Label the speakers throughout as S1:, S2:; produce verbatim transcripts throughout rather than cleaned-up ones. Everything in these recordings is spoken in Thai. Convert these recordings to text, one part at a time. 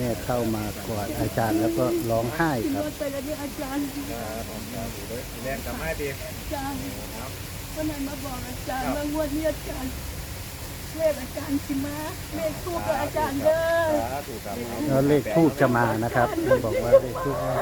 S1: ม่เข้ามากอดอาจารย์แล้วก็ร้องไห้ครับ
S2: รถไปแล้วเนี่ยอาจารย์
S3: แรงกลับมาดี
S2: อาจารย์วันไหนมาบอกอาจารย์ว่างวดนี้อาจารย์เลขอาจารย์สิมาเลขทูบกับอาจารย์เด้อ
S1: แล้วเลขทูบจะมานะครับมันบอกว่าเลขทูบจะมา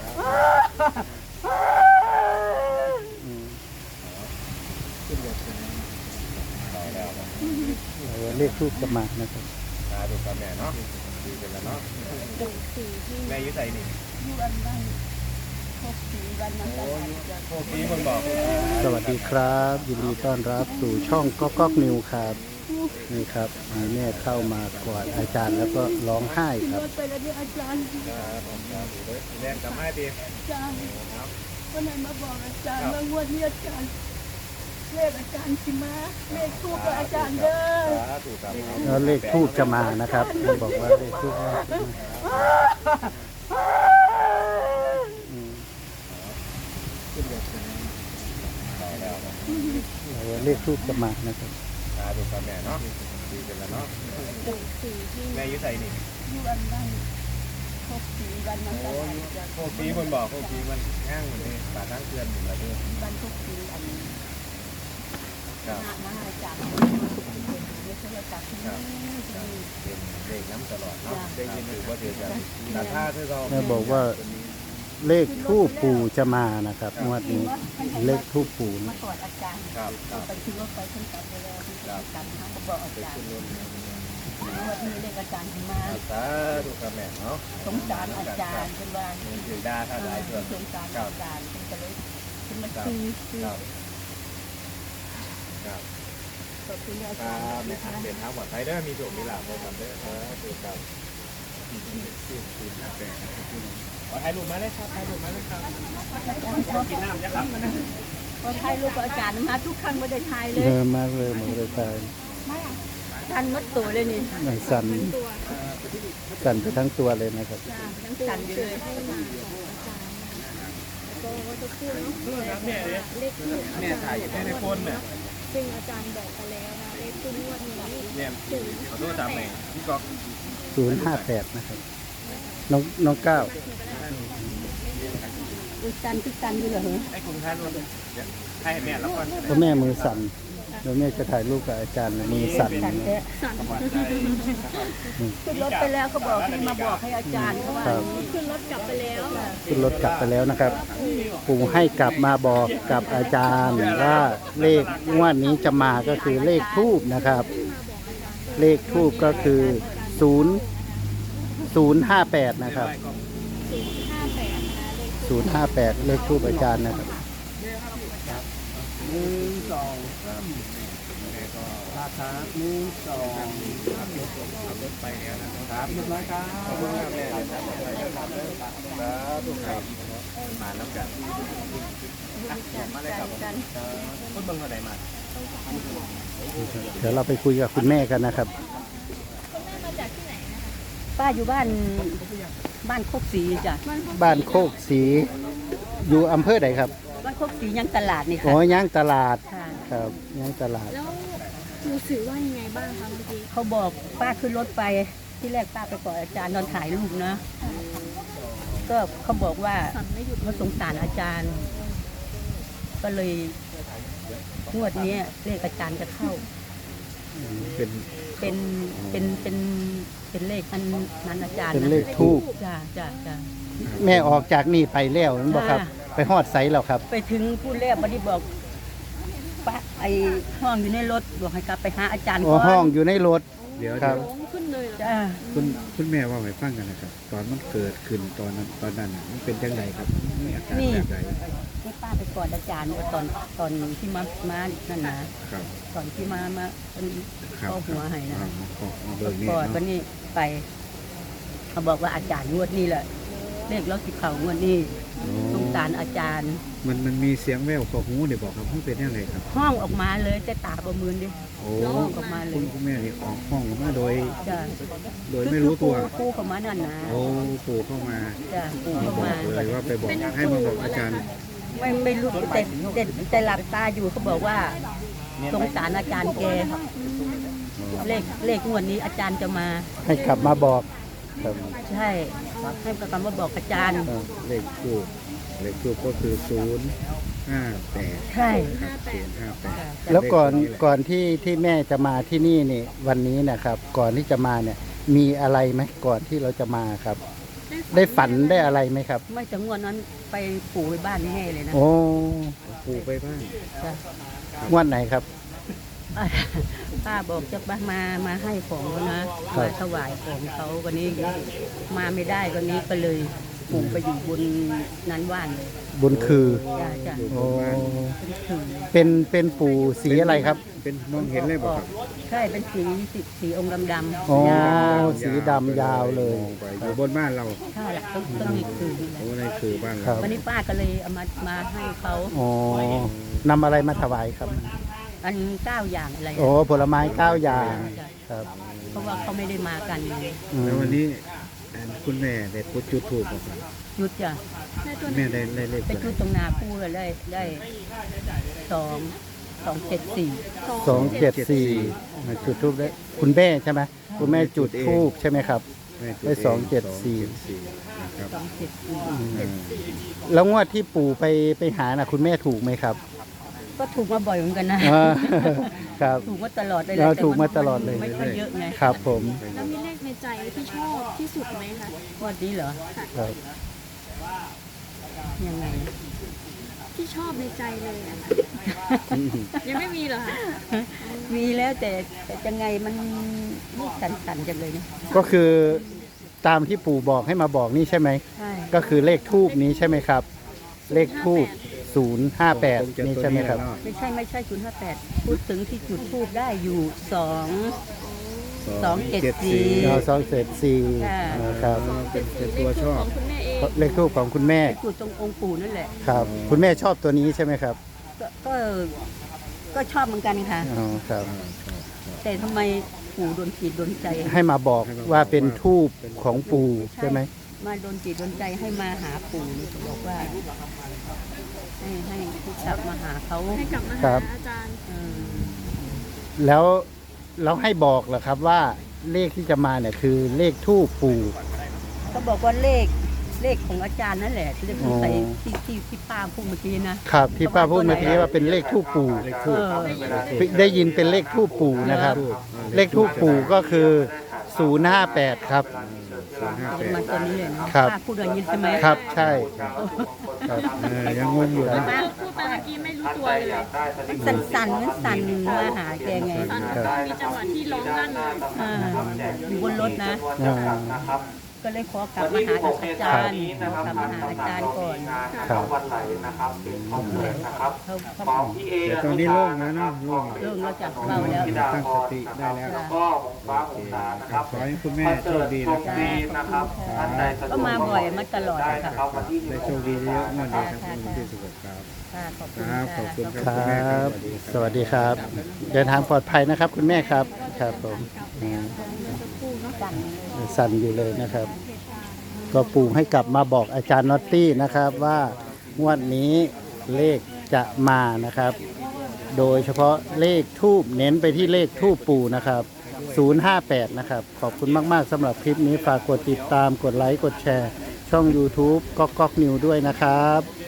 S1: เลขทูบจะมานะครับ
S3: ตาดูกับแม่เนาะดีกันแล้วเนาะแม่ยุ่ใส่นี่
S2: อยู่อันบ้านหกสี่วันนั้นก็
S3: โอ้ปีคนบอก
S1: สวัสดีครับยินดีต้อนรับสู่ช่องก๊อกก๊อกนิวครับนี่ครับแม่เข้ามากอดอาจารย์แล้วก็ร้องไห้ครับ
S2: รถไปแล้วเนี่ยอาจารย์
S3: แรงกลับมาดี
S2: อาจารย์วันไหนมาบอกอาจารย์ว่างวดนี้อาจารย์เลขอาจารย์สิมาเลขทูบกับอาจารย์เด้อ
S1: แล้วเลขทูบจะมานะครับมันบอกว่าเลขทูบจะมาเลขทูบจะมานะครับ
S3: ตาดูกับแม่เนาะดีกันแล้วเนาะแม่ยุ่ใส่นี่
S2: อยู่อันบ้านหกสี่วันนั้นก็
S3: โอ้ปีคนบอกโอ้ปีมันง่างเหมือนนี่ปาทั้งเตือนเหมือนอะไรด้วย
S2: วันทุกปีอันนี้
S3: ครับ
S2: มาอาจารย์ไม่ใช่อาจารย์ที่นี่
S3: เป็นเลขน้ำตลอดเนาะได้ยินถือว่าเดือดกันแต่ถ้าที่เรา
S1: แม่บอกว่าเลขทูปปู่จะมานะครับงวดนี้เลขทูปปู่
S2: มากอดอาจารย์ไปที่รถไปขึ้นกับไปแล้วที่อาจารย์เขาบอกอาจารย์วันนี้เลขอาจารย์มา
S3: สาธุกับแม่เนาะ
S2: สงสารอาจารย์เป็นว่า
S3: ถือดาท่าหลายส่วน
S2: สงสารอาจารย์เป็นเลยเป็นมาซื้อซื้อ
S3: ครับขอบคุณอาจารย์นะครับเดินทางปลอดภัยเด้อมีโชคมีลาภเลยครับเด้อคือครับขอถ่ายรูปมาเลยครับถ่ายรูปมาเลยครับกินน้ำนะครับ
S2: พอถ่ายรูปอาจารย์มาทุกครั้งไม่ได้ถ่ายเลย
S1: เยอะมากเลยหมดเลยตาย
S2: ทันมัดตัวเลยนี่
S1: สั่นสั่นไปทั้งตัวเลยนะครับ
S2: สั่นอยู่เลย
S3: แม่ถ่ายอยู่ในโฟนเนี่ย
S4: ซึ่งอาจารย์บอกไปแล้วนะเลขคู่งวดนี้
S3: เนี่ยขอโทษจำไหนพี่ก๊อก
S1: ศูนย์ห้าแปดนะครับน้องน้องเก้า
S2: สั่นทุกสั่นอยู่เลย
S3: ไอ้คุณท่านให้แม่แล้วก่อน
S1: เพราะแม่มือสั่นแล้วแม่จะถ่ายรูปกับอาจารย์มือสั่น
S2: สั่นขึ้นรถไปแล้วเขาบอกให้มาบอกให้อาจารย์เขาว่า
S4: ขึ้นรถกลับไปแล้ว
S1: ขึ้นรถกลับไปแล้วนะครับปู่ให้กลับมาบอกกับอาจารย์ว่าเลขงวดนี้จะมาก็คือเลขทูบนะครับเลขทูบก็คือศูนย์ศูนย์ห้าแปดนะครับศูนย์ห้าแปดเลขทูบอาจารย์นะครับ
S3: หนึ่งสองสามลาดครับหนึ่งสองขับรถไปเนี่ยนะครับเรียบร้อยครับขอบคุณครับแม่ครับทุกคนมาแล้วกันมาเลยครับคุณเบิ้งเขาไหนมา
S1: เดี๋ยวเราไปคุยกับคุณแม่กันนะครับ
S2: ป้าอยู่บ้านบ้านโคกศรีจ้ะ
S1: บ้านโคกศรีอยู่อำเภอไหนครับ
S2: บ้านโคกศรียังตลาดนี่ค่ะ
S1: อ๋อย่างตลาดครับย่างตลาด
S4: แล้วรู้สึกว่ายังไงบ้างคะเมื่อกี้
S2: เขาบอกป้าขึ้นรถไปที่แรกป้าไปกอดอาจารย์นอนถ่ายรูปนะก็เขาบอกว่าเขาสงสารอาจารย์ก็เลยงวดนี้เลขอาจารย์จะเข้า
S1: เป็น
S2: เป็นเป็นเป็นเป็นเลขอันนั้นอาจารย์
S1: เป็นเลขทูบ
S2: จ้าจ้าจ้า
S1: แม่ออกจากนี่ไปแล้วนั่นบอกครับไปฮอดไซแล้วครับ
S2: ไปถึงผู้แรกบัดนี้บอกป้าไอห้องอยู่ในรถบอกให้กลับไปหาอาจารย์ก่อน
S1: ห้องอยู่ในรถ
S4: เดี๋ยว
S1: ครับ
S4: ขึ้นเลย
S2: จ้า
S5: คุณคุณแม่ว่าไงฟังกันนะครับตอนมันเกิดขึ้นตอนนั้นตอนนั้นมันเป็นยังไงครับมีอาการแบบไหน
S2: ที่ป้าไปกอดอาจารย์ตอนตอนที่มามานั่นนะครับตอนที่มามาเป็นข้อหัวให้นะกอดวันนี้ไปเขาบอกว่าอาจารย์งวดนี้แหละเลขแล้วสิเขางวดนี้สงสารอาจารย์
S5: มันมันมีเสียงแว่วขอหูเดี๋ยวบอกครับมันเป็นยังไงครับ
S2: ห้องออกมาเลยแต่ตาประมือดิห้องออกมาเลย
S5: คุณแม่นี่ออกห้องออกมาโดยโดยไม่
S2: รู้
S5: ตัว
S2: ปู่เข้ามานั่นนะ
S5: โอ้ปู่เข้ามา
S2: จ้ะปู่เข้ามา
S5: เลยว่าไปบอกให้มาบอกอาจารย์
S2: ไม่ไม่รู้แต่แต่แต่หลับตาอยู่เขาบอกว่าสงสารอาจารย์แกเลขเลขงวดนี้อาจารย์จะมา
S1: ให้กลับมาบอกครับ
S2: ใช่ให้ประกันมาบอกอาจารย์
S5: เออเลขทูบเลขทูบก็คือศูนย์ห้าแปด
S2: ใช่
S5: ศูนย์ห้าแปด
S1: แล้วก่อนก่อนที่ที่แม่จะมาที่นี่นี่วันนี้นะครับ ก่อนที่จะมาเนี่ยมีอะไรไหมก่อนที่เราจะมาครับ ได้ฝันได้อะไรไหมครับ
S2: ไม่จะงวดนั้นไปปู่ไปบ้านแม่เลยนะ
S1: โอ้
S5: ปูไปบ้าง
S2: จ้ะ
S1: งวดไหนครับ
S2: ป้าป้าบอกจะมามามาให้ของเขานะ
S1: ครั
S2: มา
S1: บ
S2: ถวายของเขาวันนี้มาไม่ได้วันนี้ก็เลยปู่ไปอยู่บนนั้นว่านเลย
S1: บุญคือ
S2: จ้ะจ้ะ
S1: โอ้
S2: เป็นถือ
S1: เป็นเป็นปู่สีอะไรครับ
S5: เป็นมองเห็นเลยบ่ครับ
S2: ใช่เป็นสีสีสีองค์ดำๆ
S1: โอ้
S2: ยาว
S1: สีดำยาวเลย
S5: มองไปอยู่บนบ้านเรา
S2: ใช่ละต้องต้องมีถือนี่แหละ
S5: โอ้ในคือบ้าน
S1: ครั
S5: เรา
S1: บ
S2: วันนี้ป้าก็เลยเอามามาให้เขา
S1: อ๋อนำอะไรมาถวายครับ
S2: อันเก้าอย่างอะไร
S1: โอ้ผลไม้เก้าอย่างครับ
S2: เพราะว่าเขาไม่ได้มากัน
S1: อืม
S5: แล้ววันนี้อันคุณแม่ได้พุทธจุดถูกบ่ครับ
S2: หยุดจ้ะ
S4: ได้ตัวไหน
S5: แม่ได้ได้เลข
S2: ไป
S5: ตัวไหน
S2: ชุดตรงนาคู่เลยได้ได้สองสองเจ็ดสี่
S1: สองเจ็ดสี่จุดทูบได้คุณแม่ใช่ไหมคุณแม่จุดทูบใช่ไหมครับ
S5: แม่จุ
S1: ได้
S5: เ
S1: สองเจ็ดสี่
S5: สองเจ็ดสี่นะครับ
S2: สองเจ็ดสี่
S5: อืม
S1: แล้วงวดที่ปู่ไปไปหาน่ะคุณแม่ถูกไหมครับ
S2: ก็ถูกมาบ่อยเหมือนกันนะ
S1: อ่าครับ
S2: ถูกมาตลอดเลย
S1: เราถูกมาตลอดเลย
S2: ไม่ค่อยเยอะไง
S1: ครับผม
S4: แล้วมีเลขในใจที่ชอบที่สุดไหมคะ
S2: งวันนี้เหรอ
S1: ครับ
S2: ยังไง
S4: ที่ชอบในใจเลยอะค่ะยังไม่มีเหรอคะ
S2: มีแล้วแต่แต่ยังไงมันนี่สั่นๆจังเลยนะ
S1: ก็คือตามที่ปู่บอกให้มาบอกนี่ใช่ไหม
S2: ใช่
S1: ก็คือเลขทูบนี้ใช่ไหมครับ เลขทูบศูนย์ห้าแปดนี่ใช่ไหมครับ
S2: ไม่ใช่ไม่ใช่ศูนย์ห้าแปดพูดถึงที่จุดทูบได้อยู่สอง สองเจ็ดสี่
S1: เราสองเศษสี่
S2: ค่ะ
S1: ครับ
S5: เป็นเป็นตัวชอบ
S4: ของคุณแม่เอง
S1: เลขทูบของคุณแม่
S2: จุดตรงองค์ปู่นั่นแหละ
S1: ครับ คุณแม่ชอบตัวนี้ใช่ไหมครับ
S2: ก็ก็ก็ชอบเหมือนกันค่ะ
S1: อ๋อครับ
S2: แต่ทำไมปู่โดนจิตโดนใจ
S1: ให้มาบอกว่าเป็นทูบของปู่ใช่ไหม
S2: มาโดนจิตโดนใจให้มาหาปู่นี่เขาบอกว่า ให้ให้ให้กลับมาหาเขา
S4: ให้กลับมา
S1: ครั
S4: หา
S1: บ
S4: อาจารย์
S2: เออ
S1: แล้วเราให้บอกเหรอครับว่าเลขที่จะมาเนี่ยคือเลขทูบปู่
S2: เขาบอกว่าเลขเลขของอาจารย์นั่นแหละที่ที่ใส่
S1: อ๋อ
S2: ที่ที่ที่ป้าพูดเมื่อกี้นะครับ
S1: ที่ป้าพูดเมื่อกี้ว่าเป็นเลขทูบปู่
S5: เลข
S2: เอ
S5: ทูบ
S2: อ
S1: ได้ยินเป็นเลขทูบปู่นะครับ เลขทูบปู่ก็คือศูนย์ห้าแปดครับ
S5: ศูนย์ห้าแปด
S2: มันตัวนี้เลยนะครับ ป้าพูดอย่างนี้ใช่ไหม
S1: ครับใช่ครับ
S5: เออยังงงอยู่นะ
S2: ป้า
S4: พูดไปเมื่อกี้ไม่รู้ตัวเลย
S2: มันสั่นๆมันสั่นมาหาแกไง
S4: ตอนมีจังหวะที่ร้องลั่นเลย
S2: อ่าอยู่บนรถนะ
S1: อ่า
S2: ก็เลยขอกลับมาหาอาจารย์ขอกลับมาหาอาจารย์ก่อน
S1: ครับ
S2: เขาเขา
S5: แต่ตอนนี้โล่งแล้วเนาะโล่ง
S2: เรื่องเราจับเบาแล้ว
S5: ตั้งสติได้แล้ว
S2: จ้ะ
S5: โอเคครับขอให้คุณแม่โชคดีนะครับ
S2: จ้าขอบคุณค่ะก็มาบ่อยมาตลอดอะค่ะ
S5: ได้โชคดีเยอะๆงวดดีครับคุณที่สุขครับ
S2: ค่ะขอบคุณ
S5: ครับ
S2: ค่ะ
S5: ขอบคุณค
S1: ค
S5: รั
S1: รับ สวัสดีครับ เดินทางปลอดภัยนะครับ คุณแม่ครับครับผมอ่า
S2: สั่น
S1: สั่นอยู่เลยนะครับ ก็ปู่ให้กลับมาบอกอาจารย์น็อตตี้นะครับว่างวดนี้เลขจะมานะครับ โดยเฉพาะเลขทูบเน้นไปที่เลขทูบปู่นะครับศูนย์ห้าแปดนะครับ ขอบคุณมากๆสำหรับคลิปนี้ฝากกดติดตามกดไลค์กดแชร์ ช่อง YouTube ก๊อกก๊อกนิวด้วยนะครับ